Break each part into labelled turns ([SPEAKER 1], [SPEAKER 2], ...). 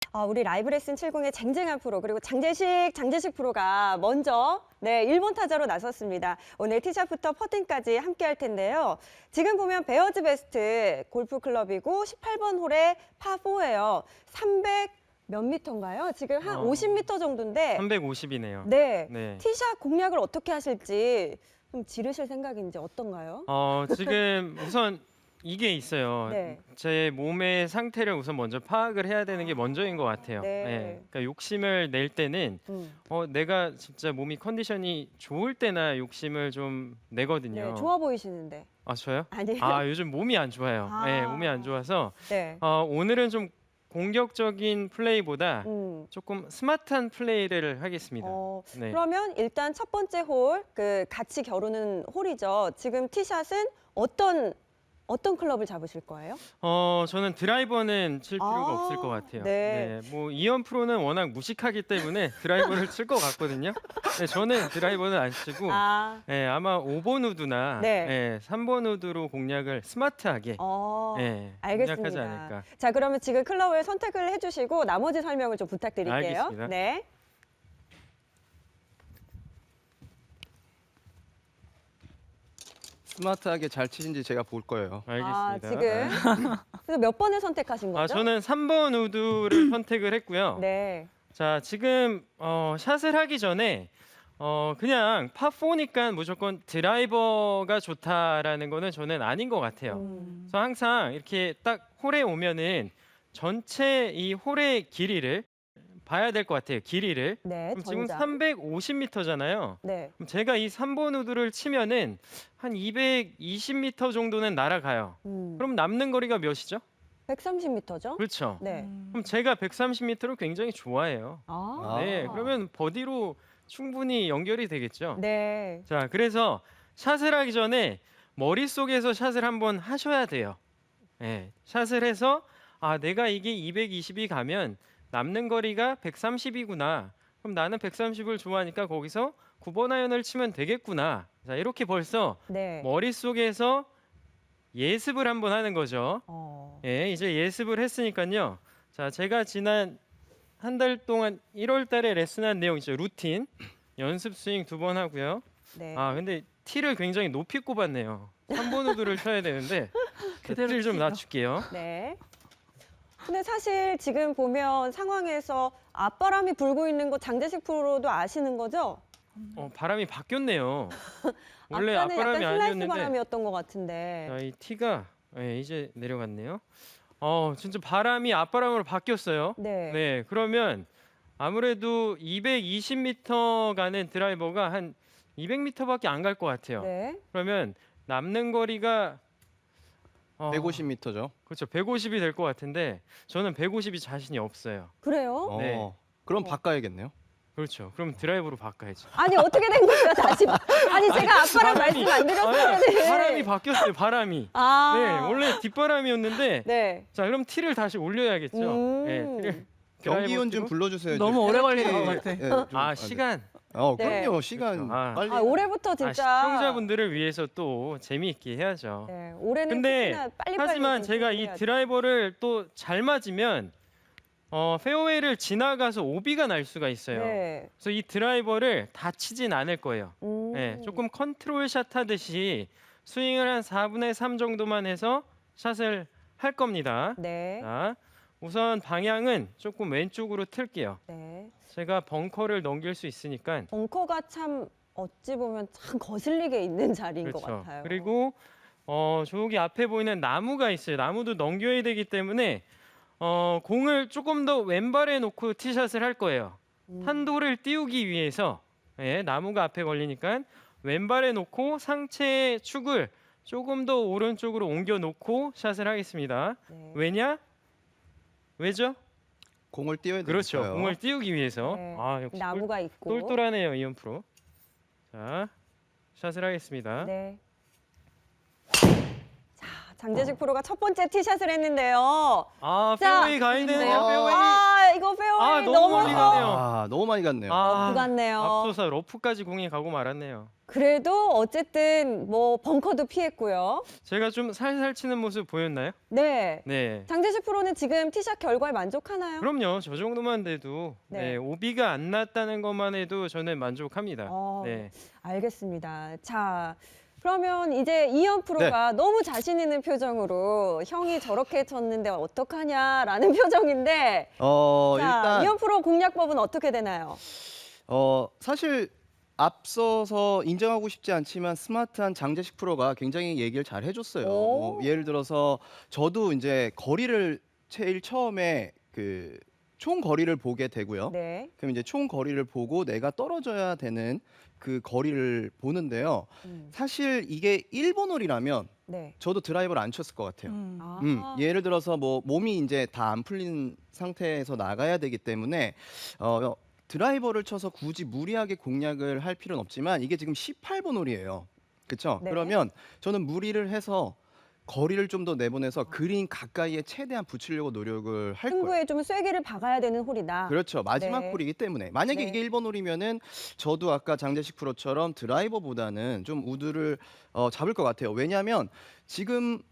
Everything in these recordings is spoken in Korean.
[SPEAKER 1] 우리 라이브 레슨 70의 쟁쟁한 프로 그리고 장재식 프로가 먼저 1번 타자로 나섰습니다. 오늘 티샷부터 퍼팅까지 함께 할 텐데요. 지금 보면 베어즈 베스트 골프 클럽이고 18번 홀에 파4예요. 300 몇 미터인가요? 지금 한 50미터 정도인데
[SPEAKER 2] 350이네요.
[SPEAKER 1] 네. 티샷 공략을 어떻게 하실지 좀 지르실 생각인지 어떤가요?
[SPEAKER 2] 지금 우선 이게 있어요.
[SPEAKER 1] 네.
[SPEAKER 2] 제 몸의 상태를 우선 먼저 파악을 해야 되는 게 먼저인 것 같아요.
[SPEAKER 1] 네.
[SPEAKER 2] 그러니까 욕심을 낼 때는 내가 진짜 몸이 컨디션이 좋을 때나 욕심을 좀 내거든요.
[SPEAKER 1] 네, 좋아 보이시는데.
[SPEAKER 2] 아, 저요?
[SPEAKER 1] 아니에요?
[SPEAKER 2] 요즘 몸이 안 좋아요. 네, 몸이 안 좋아서
[SPEAKER 1] 네.
[SPEAKER 2] 오늘은 좀 공격적인 플레이보다 조금 스마트한 플레이를 하겠습니다. 네.
[SPEAKER 1] 그러면 일단 첫 번째 홀, 같이 겨루는 홀이죠. 지금 티샷은 어떤 클럽을 잡으실 거예요?
[SPEAKER 2] 저는 드라이버는 칠 필요가 없을 것 같아요.
[SPEAKER 1] 네.
[SPEAKER 2] 뭐 이현 프로는 워낙 무식하기 때문에 드라이버를 칠 것 같거든요. 네, 저는 드라이버는 안 치고 아마 5번 우드나 3번 우드로 공략을 스마트하게
[SPEAKER 1] 알겠습니다.
[SPEAKER 2] 공략하지 않을까.
[SPEAKER 1] 자, 그러면 지금 클럽을 선택을 해주시고 나머지 설명을 좀 부탁드릴게요.
[SPEAKER 2] 알겠습니다.
[SPEAKER 1] 네.
[SPEAKER 3] 스마트하게 잘 치신지 제가 볼 거예요.
[SPEAKER 2] 알겠습니다.
[SPEAKER 1] 지금 그래서 몇 번을 선택하신 거죠?
[SPEAKER 2] 저는 3번 우드를 선택을 했고요.
[SPEAKER 1] 네.
[SPEAKER 2] 자, 지금 샷을 하기 전에 그냥 파4니까 무조건 드라이버가 좋다라는 거는 저는 아닌 것 같아요. 그래서 항상 이렇게 딱 홀에 오면은 전체 이 홀의 길이를 봐야 될 것 같아요. 길이를.
[SPEAKER 1] 네,
[SPEAKER 2] 그럼 지금
[SPEAKER 1] 전장.
[SPEAKER 2] 350m잖아요.
[SPEAKER 1] 네.
[SPEAKER 2] 그럼 제가 이 3번 우드를 치면은 한 220m 정도는 날아가요. 그럼 남는 거리가 몇이죠?
[SPEAKER 1] 130m죠?
[SPEAKER 2] 그렇죠.
[SPEAKER 1] 네.
[SPEAKER 2] 그럼 제가 130m를 굉장히 좋아해요. 네, 그러면 버디로 충분히 연결이 되겠죠.
[SPEAKER 1] 네.
[SPEAKER 2] 자, 그래서 샷을 하기 전에 머릿속에서 샷을 한번 하셔야 돼요. 네, 샷을 해서 내가 이게 220이 가면 남는 거리가 130이구나. 그럼 나는 130을 좋아하니까 거기서 9번 아이언을 치면 되겠구나. 자, 이렇게 벌써 머릿속에서 예습을 한번 하는 거죠. 이제 예습을 했으니까요. 자, 제가 지난 한 달 동안 1월 달에 레슨한 내용 있죠. 루틴. 연습 스윙 2번 하고요.
[SPEAKER 1] 네.
[SPEAKER 2] 근데 티를 굉장히 높이 꼽았네요. 3번 우드를 쳐야 되는데 티를 좀 낮출게요.
[SPEAKER 1] 네. 근데 사실 지금 보면 상황에서 앞바람이 불고 있는 거 장재식 프로도 아시는 거죠?
[SPEAKER 2] 바람이 바뀌었네요. 원래
[SPEAKER 1] 아까는
[SPEAKER 2] 앞바람이
[SPEAKER 1] 약간 슬라이스
[SPEAKER 2] 아니었는데
[SPEAKER 1] 바람이었던 것 같은데.
[SPEAKER 2] 자, 이 티가 이제 내려갔네요. 진짜 바람이 앞바람으로 바뀌었어요.
[SPEAKER 1] 네.
[SPEAKER 2] 그러면 아무래도 220m 가는 드라이버가 한 200m밖에 안 갈 것 같아요.
[SPEAKER 1] 네.
[SPEAKER 2] 그러면 남는 거리가
[SPEAKER 3] 150m죠.
[SPEAKER 2] 그렇죠. 150이 될 것 같은데 저는 150이 자신이 없어요.
[SPEAKER 1] 그래요?
[SPEAKER 2] 네.
[SPEAKER 3] 그럼 바꿔야겠네요.
[SPEAKER 2] 그렇죠. 그럼 드라이버로 바꿔야죠.
[SPEAKER 1] 아니 어떻게 된 거예요 다시? 아니 제가 앞바람 말씀 안 드렸어요.
[SPEAKER 2] 바람이 바뀌었어요. 바람이. 네, 원래 뒷바람이었는데.
[SPEAKER 1] 네.
[SPEAKER 2] 자, 그럼 티를 다시 올려야겠죠. 티를
[SPEAKER 3] 경기원 좀 불러주세요.
[SPEAKER 4] 너무 오래 걸리는 것 같아.
[SPEAKER 2] 시간.
[SPEAKER 3] 그럼요. 시간
[SPEAKER 2] 그렇죠.
[SPEAKER 3] 빨리.
[SPEAKER 1] 올해부터 진짜
[SPEAKER 2] 시청자분들을 위해서 또 재미있게 해야죠.
[SPEAKER 1] 네, 올해는
[SPEAKER 2] 근데
[SPEAKER 1] 특히나 빨리빨리
[SPEAKER 2] 하지만 제가 이 드라이버를 또 잘 맞으면 페어웨이를 지나가서 오비가 날 수가 있어요.
[SPEAKER 1] 네.
[SPEAKER 2] 그래서 이 드라이버를 다 치진 않을 거예요. 조금 컨트롤 샷 하듯이 스윙을 한 4분의 3 정도만 해서 샷을 할 겁니다.
[SPEAKER 1] 네.
[SPEAKER 2] 자, 우선 방향은 조금 왼쪽으로 틀게요.
[SPEAKER 1] 네.
[SPEAKER 2] 제가 벙커를 넘길 수 있으니까.
[SPEAKER 1] 벙커가 참 어찌 보면 참 거슬리게 있는 자리인 것
[SPEAKER 2] 그렇죠.
[SPEAKER 1] 같아요.
[SPEAKER 2] 그리고 저기 앞에 보이는 나무가 있어요. 나무도 넘겨야 되기 때문에 공을 조금 더 왼발에 놓고 티샷을 할 거예요. 탄도를 띄우기 위해서 나무가 앞에 걸리니까 왼발에 놓고 상체의 축을 조금 더 오른쪽으로 옮겨 놓고 샷을 하겠습니다.
[SPEAKER 1] 네.
[SPEAKER 2] 왜죠?
[SPEAKER 3] 공을 띄워야 되니까요.
[SPEAKER 2] 그렇죠. 공을 띄우기 위해서.
[SPEAKER 1] 네.
[SPEAKER 2] 역시
[SPEAKER 1] 나무가 있고.
[SPEAKER 2] 똘똘하네요, 이현 프로. 자, 샷을 하겠습니다.
[SPEAKER 1] 네. 자, 장재식 프로가 첫 번째 티샷을 했는데요.
[SPEAKER 2] 페어웨이 가 있네요. 페어웨이.
[SPEAKER 1] 이거 페어웨이
[SPEAKER 2] 너무 멀리
[SPEAKER 1] 넘어서.
[SPEAKER 2] 가네요.
[SPEAKER 3] 아, 너무 많이 갔네요.
[SPEAKER 1] 러프 같네요.
[SPEAKER 2] 앞서서 러프까지 공이 가고 말았네요.
[SPEAKER 1] 그래도 어쨌든 뭐 벙커도 피했고요.
[SPEAKER 2] 제가 좀 살살 치는 모습 보였나요?
[SPEAKER 1] 네.
[SPEAKER 2] 네.
[SPEAKER 1] 장재식 프로는 지금 티샷 결과에 만족하나요?
[SPEAKER 2] 그럼요. 저 정도만 돼도
[SPEAKER 1] 네.
[SPEAKER 2] 네, 오비가 안 났다는 것만 해도 저는 만족합니다.
[SPEAKER 1] 어,
[SPEAKER 2] 네.
[SPEAKER 1] 알겠습니다. 자, 그러면 이제 이현 프로가 너무 자신 있는 표정으로 형이 저렇게 쳤는데 어떡하냐라는 표정인데 자,
[SPEAKER 3] 일단
[SPEAKER 1] 이현 프로 공략법은 어떻게 되나요?
[SPEAKER 3] 사실 앞서서 인정하고 싶지 않지만 스마트한 장재식 프로가 굉장히 얘기를 잘 해줬어요.
[SPEAKER 1] 오.
[SPEAKER 3] 뭐 예를 들어서 저도 이제 거리를 제일 처음에 그 총 거리를 보게 되고요.
[SPEAKER 1] 네.
[SPEAKER 3] 그럼 이제 총 거리를 보고 내가 떨어져야 되는 그 거리를 보는데요. 사실 이게 1번 홀이라면
[SPEAKER 1] 네.
[SPEAKER 3] 저도 드라이버를 안 쳤을 것 같아요.
[SPEAKER 1] 아.
[SPEAKER 3] 예를 들어서 뭐 몸이 이제 다 안 풀린 상태에서 나가야 되기 때문에 드라이버를 쳐서 굳이 무리하게 공략을 할 필요는 없지만 이게 지금 18번 홀이에요. 그렇죠?
[SPEAKER 1] 네.
[SPEAKER 3] 그러면 저는 무리를 해서 거리를 좀 더 내보내서 그린 가까이에 최대한 붙이려고 노력을 할 거예요.
[SPEAKER 1] 승부에 좀 쐐기를 박아야 되는 홀이다.
[SPEAKER 3] 그렇죠. 마지막
[SPEAKER 1] 네.
[SPEAKER 3] 홀이기 때문에 만약에
[SPEAKER 1] 네.
[SPEAKER 3] 이게 1번 홀이면은 저도 아까 장재식 프로처럼 드라이버보다는 좀 우드를 잡을 것 같아요. 왜냐하면 지금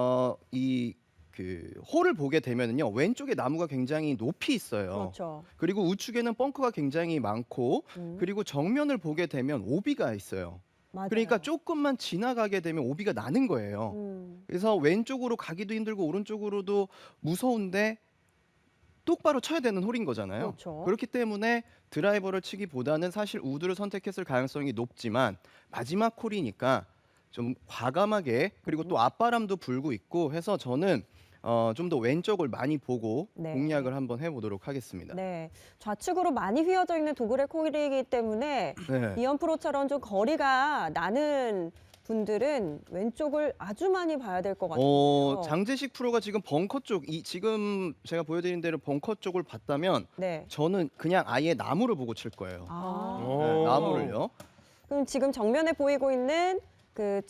[SPEAKER 3] 이 그 홀을 보게 되면은요 왼쪽에 나무가 굉장히 높이 있어요.
[SPEAKER 1] 그렇죠.
[SPEAKER 3] 그리고 우측에는 벙커가 굉장히 많고
[SPEAKER 1] 음,
[SPEAKER 3] 그리고 정면을 보게 되면 오비가 있어요.
[SPEAKER 1] 맞아요.
[SPEAKER 3] 그러니까 조금만 지나가게 되면 오비가 나는 거예요. 그래서 왼쪽으로 가기도 힘들고 오른쪽으로도 무서운데 똑바로 쳐야 되는 홀인 거잖아요.
[SPEAKER 1] 그렇죠.
[SPEAKER 3] 그렇기 때문에 드라이버를 치기보다는 사실 우드를 선택했을 가능성이 높지만 마지막 홀이니까 좀 과감하게 그리고 또 앞바람도 불고 있고 해서 저는 좀 더 왼쪽을 많이 보고
[SPEAKER 1] 네.
[SPEAKER 3] 공략을 한번 해보도록 하겠습니다.
[SPEAKER 1] 네, 좌측으로 많이 휘어져 있는 도그레 콜이기 때문에
[SPEAKER 3] 네.
[SPEAKER 1] 이현 프로처럼 좀 거리가 나는 분들은 왼쪽을 아주 많이 봐야 될 것 같아요.
[SPEAKER 3] 장재식 프로가 지금 벙커 쪽, 지금 제가 보여드린 대로 벙커 쪽을 봤다면
[SPEAKER 1] 네.
[SPEAKER 3] 저는 그냥 아예 나무를 보고 칠 거예요.
[SPEAKER 1] 아,
[SPEAKER 2] 오.
[SPEAKER 3] 네, 나무를요.
[SPEAKER 1] 그럼 지금 정면에 보이고 있는 그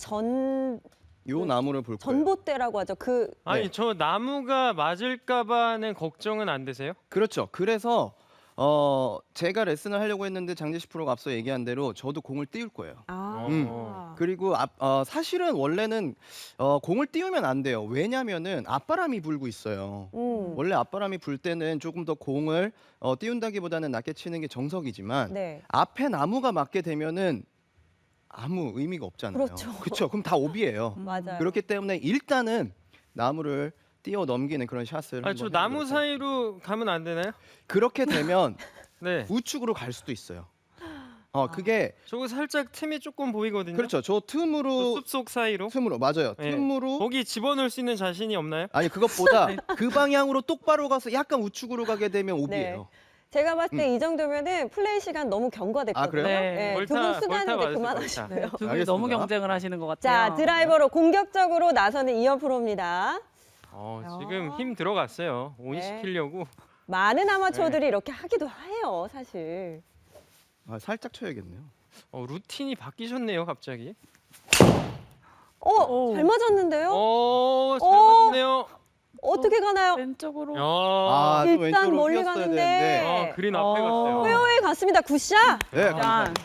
[SPEAKER 3] 요 나무를 볼 거예요.
[SPEAKER 1] 전봇대라고 하죠. 그
[SPEAKER 2] 아니
[SPEAKER 3] 네.
[SPEAKER 2] 저 나무가 맞을까봐는 걱정은 안 되세요?
[SPEAKER 3] 그렇죠. 그래서 제가 레슨을 하려고 했는데 장재식 프로가 앞서 얘기한 대로 저도 공을 띄울 거예요. 그리고 사실은 원래는 공을 띄우면 안 돼요. 왜냐면은 앞바람이 불고 있어요. 원래 앞바람이 불 때는 조금 더 공을 띄운다기보다는 낮게 치는 게 정석이지만
[SPEAKER 1] 네.
[SPEAKER 3] 앞에 나무가 맞게 되면은 아무 의미가 없잖아요.
[SPEAKER 1] 그렇죠.
[SPEAKER 3] 그렇죠. 그럼 다 오비예요.
[SPEAKER 1] 맞아요.
[SPEAKER 3] 그렇기 때문에 일단은 나무를 띄어 넘기는 그런 샷을
[SPEAKER 2] 아, 저
[SPEAKER 3] 한번
[SPEAKER 2] 나무
[SPEAKER 3] 해보도록 할게요.
[SPEAKER 2] 사이로 가면 안 되나요?
[SPEAKER 3] 그렇게 되면
[SPEAKER 2] 네.
[SPEAKER 3] 우측으로 갈 수도 있어요. 그게
[SPEAKER 2] 저거 살짝 틈이 조금 보이거든요.
[SPEAKER 3] 그렇죠. 저 틈으로
[SPEAKER 2] 숲속 사이로.
[SPEAKER 3] 맞아요.
[SPEAKER 2] 네.
[SPEAKER 3] 틈으로
[SPEAKER 2] 거기 집어넣을 수 있는 자신이 없나요?
[SPEAKER 3] 아니 그것보다 그 방향으로 똑바로 가서 약간 우측으로 가게 되면 오비예요.
[SPEAKER 1] 제가 봤을 때 이 정도면은 플레이 시간 너무 경과됐거든요.
[SPEAKER 3] 아, 그래요?
[SPEAKER 1] 네,
[SPEAKER 2] 벌타,
[SPEAKER 1] 두분
[SPEAKER 2] 벌타
[SPEAKER 1] 수다는 이제
[SPEAKER 2] 맞으세요,
[SPEAKER 1] 그만하시고요.
[SPEAKER 4] 네, 두 분이
[SPEAKER 3] 알겠습니다.
[SPEAKER 4] 너무 경쟁을 하시는 것 같아요.
[SPEAKER 1] 자, 드라이버로 공격적으로 나서는 이현 프로입니다.
[SPEAKER 2] 지금 힘 들어갔어요. 온
[SPEAKER 1] 네.
[SPEAKER 2] 시키려고.
[SPEAKER 1] 많은 아마추어들이 이렇게 하기도 해요, 사실.
[SPEAKER 3] 살짝 쳐야겠네요.
[SPEAKER 2] 루틴이 바뀌셨네요, 갑자기.
[SPEAKER 4] 오.
[SPEAKER 1] 잘 맞았는데요?
[SPEAKER 2] 잘 맞았네요.
[SPEAKER 1] 어떻게 가나요?
[SPEAKER 4] 왼쪽으로.
[SPEAKER 3] 좀
[SPEAKER 1] 일단
[SPEAKER 3] 왼쪽으로
[SPEAKER 1] 멀리
[SPEAKER 3] 휘었어야
[SPEAKER 1] 가는데.
[SPEAKER 3] 되는데.
[SPEAKER 2] 그린 앞에 갔어요.
[SPEAKER 1] 페어웨이 갔습니다. 굿샷.
[SPEAKER 3] 네,
[SPEAKER 4] 짠.
[SPEAKER 3] 감사합니다.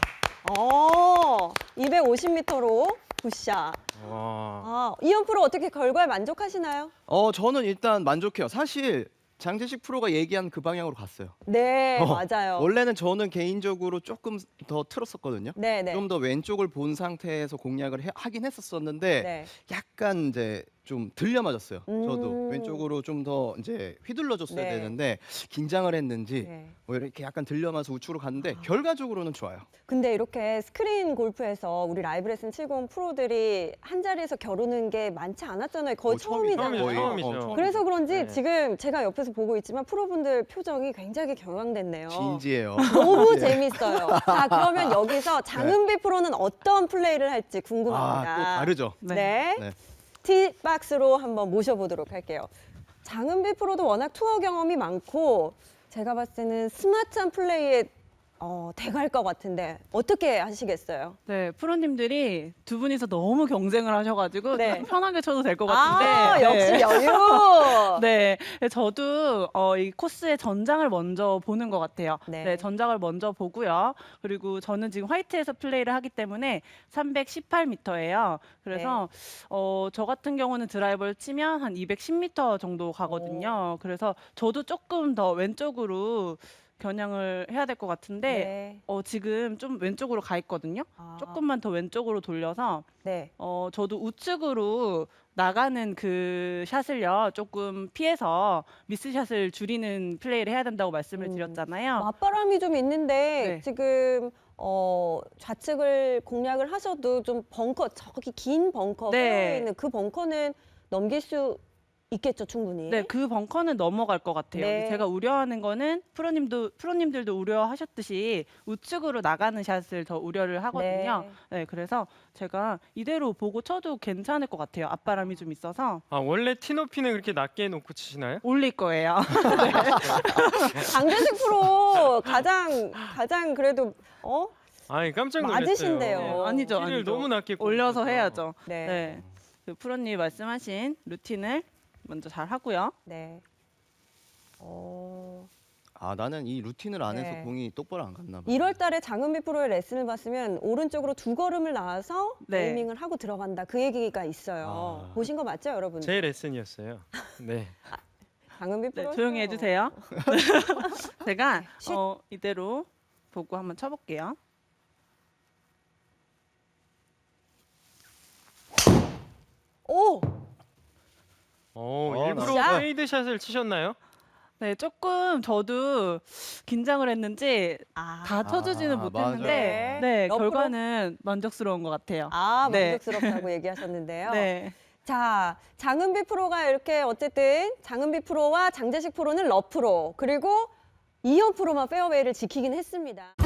[SPEAKER 1] 250m로 굿샷. 이현 프로 어떻게 결과에 만족하시나요?
[SPEAKER 3] 저는 일단 만족해요. 사실 장재식 프로가 얘기한 그 방향으로 갔어요.
[SPEAKER 1] 네, 맞아요.
[SPEAKER 3] 원래는 저는 개인적으로 조금 더 틀었었거든요.
[SPEAKER 1] 네, 네.
[SPEAKER 3] 좀 더 왼쪽을 본 상태에서 공략을 하긴 했었었는데
[SPEAKER 1] 네.
[SPEAKER 3] 약간 이제 좀 들려 맞았어요. 저도
[SPEAKER 1] 음.
[SPEAKER 3] 왼쪽으로 좀 더 이제 휘둘러줬어야
[SPEAKER 1] 네.
[SPEAKER 3] 되는데 긴장을 했는지
[SPEAKER 1] 네.
[SPEAKER 3] 뭐 이렇게 약간 들려 맞아서 우측으로 갔는데 결과적으로는 좋아요.
[SPEAKER 1] 근데 이렇게 스크린 골프에서 우리 라이브 레슨 70 프로들이 한 자리에서 겨루는 게 많지 않았잖아요. 거의 처음이잖아요.
[SPEAKER 2] 처음이죠.
[SPEAKER 1] 그래서 그런지
[SPEAKER 2] 네.
[SPEAKER 1] 지금 제가 옆에서 보고 있지만 프로분들 표정이 굉장히 경황됐네요.
[SPEAKER 3] 진지해요.
[SPEAKER 1] 너무
[SPEAKER 3] 네.
[SPEAKER 1] 재밌어요. 자, 그러면 여기서 장은비 프로는 어떤 플레이를 할지 궁금합니다.
[SPEAKER 3] 또 다르죠.
[SPEAKER 1] 네.
[SPEAKER 3] 네.
[SPEAKER 1] 티박스로 한번 모셔보도록 할게요. 장은비 프로도 워낙 투어 경험이 많고 제가 봤을 때는 스마트한 플레이에 돼갈 것 같은데 어떻게 하시겠어요?
[SPEAKER 4] 네, 프로님들이 두 분이서 너무 경쟁을 하셔가지고
[SPEAKER 1] 네.
[SPEAKER 4] 좀 편하게 쳐도 될 것 같은데.
[SPEAKER 1] 아, 역시
[SPEAKER 4] 네.
[SPEAKER 1] 여유.
[SPEAKER 4] 네, 저도 이 코스의 전장을 먼저 보는 것 같아요.
[SPEAKER 1] 네.
[SPEAKER 4] 네. 전장을 먼저 보고요. 그리고 저는 지금 화이트에서 플레이를 하기 때문에 318m예요. 그래서 저 같은 경우는 드라이버를 치면 한 210m 정도 가거든요. 그래서 저도 조금 더 왼쪽으로 겨냥을 해야 될 것 같은데
[SPEAKER 1] 네.
[SPEAKER 4] 지금 좀 왼쪽으로 가 있거든요.
[SPEAKER 1] 아,
[SPEAKER 4] 조금만 더 왼쪽으로 돌려서
[SPEAKER 1] 네.
[SPEAKER 4] 저도 우측으로 나가는 그 샷을요 조금 피해서 미스샷을 줄이는 플레이를 해야 된다고 말씀을 드렸잖아요.
[SPEAKER 1] 맞바람이 좀 있는데
[SPEAKER 4] 네.
[SPEAKER 1] 지금 좌측을 공략을 하셔도 좀 벙커 저기 긴 벙커
[SPEAKER 4] 네.
[SPEAKER 1] 페어에 있는 그 벙커는 넘길 수 있겠죠, 충분히.
[SPEAKER 4] 네, 그 벙커는 넘어갈 것 같아요.
[SPEAKER 1] 네.
[SPEAKER 4] 제가 우려하는 거는 프로님들도 우려하셨듯이 우측으로 나가는 샷을 더 우려를 하거든요. 네, 그래서 제가 이대로 보고 쳐도 괜찮을 것 같아요. 앞바람이 좀 있어서
[SPEAKER 2] 아, 원래 티높이는 그렇게 낮게 놓고 치시나요?
[SPEAKER 4] 올릴 거예요.
[SPEAKER 1] 장재식 프로 가장 그래도
[SPEAKER 2] 아니, 깜짝 놀랐어요.
[SPEAKER 1] 맞으신데요.
[SPEAKER 4] 네, 아니죠,
[SPEAKER 2] 티를
[SPEAKER 4] 아니죠.
[SPEAKER 2] 너무 낮게
[SPEAKER 4] 올려서
[SPEAKER 2] 꽂으셔서.
[SPEAKER 4] 해야죠.
[SPEAKER 1] 네.
[SPEAKER 4] 네. 그 프로님 말씀하신 루틴을 먼저 잘 하고요.
[SPEAKER 1] 네.
[SPEAKER 3] 아, 나는 이 루틴을 안 해서
[SPEAKER 1] 네.
[SPEAKER 3] 공이 똑바로 안 갔나 봐.
[SPEAKER 1] 1월 달에 장은비 프로의 레슨을 봤으면 오른쪽으로 2걸음을 나와서
[SPEAKER 4] 네.
[SPEAKER 1] 에이밍을 하고 들어간다. 그 얘기가 있어요.
[SPEAKER 3] 아.
[SPEAKER 1] 보신 거 맞죠, 여러분?
[SPEAKER 2] 제 레슨이었어요. 네.
[SPEAKER 1] 장은비
[SPEAKER 4] 네,
[SPEAKER 1] 프로
[SPEAKER 4] 조용히 해주세요. 제가
[SPEAKER 1] 쉿.
[SPEAKER 4] 이대로 보고 한번 쳐볼게요.
[SPEAKER 1] 오!
[SPEAKER 2] 일부러
[SPEAKER 1] 샷.
[SPEAKER 2] 페이드 샷을 치셨나요?
[SPEAKER 4] 네, 조금 저도 긴장을 했는지
[SPEAKER 1] 아,
[SPEAKER 4] 다 쳐주지는
[SPEAKER 3] 아,
[SPEAKER 4] 못했는데
[SPEAKER 1] 맞아요.
[SPEAKER 4] 네,
[SPEAKER 1] 옆으로?
[SPEAKER 4] 결과는 만족스러운 것 같아요. 네.
[SPEAKER 1] 만족스럽다고 얘기하셨는데요.
[SPEAKER 4] 네.
[SPEAKER 1] 자, 장은비 프로가 이렇게 어쨌든 장은비 프로와 장재식 프로는 러프로 그리고 이현 프로만 페어웨이를 지키긴 했습니다.